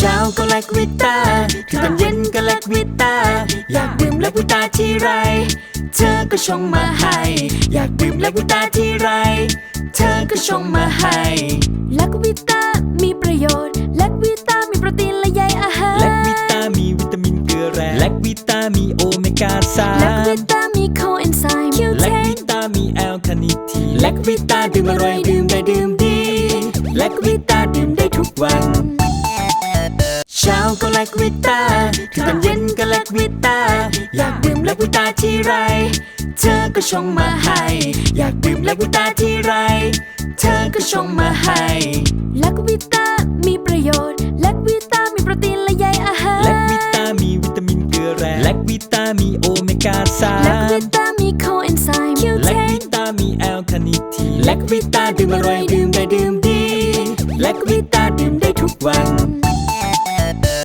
ช้าก็แลควิต้าถึงตอนเย็นก็แลควิต้าอยากดื่มแลควิต้าที่ไรเธอก็ชงมาให้อยากดื่มแลควิต้าที่ไรเธอก็ชงมาให้แลควิต้ามีประโยชน์แลควิต้ามีโปรตีนและใยอาหารแลควิต้ามีวิตามินเกลือแร่แลควิต้ามีโอเมก้า3 แลควิต้ามีโคเอนไซม์แลควิต้ามีแอลคาเนิทีนแลควิต้าดื่มอร่อยดื่มได้ดื่มดีแลควิต้าดื่มได้ทุกวันเช้าก็แลควิต้าถึงตอนเย็นก็แลควิต้าอยากดื่มแลควิต้าที่ไรเธอก็ชงมาให้อยากดื่มแลควิต้าที่ไรเธอก็ชงมาให้แลควิต้ามีประโยชน์แลควิต้ามีโปรตีนและใยอาหารแลควิต้ามีวิตามินเกลือแร่แลควิต้ามีโอเมก้า3 แลควิต้ามีโคเอนไซม์แลควิต้ามีแอลคาเนิทีนแลควิต้าดื่มอร่อย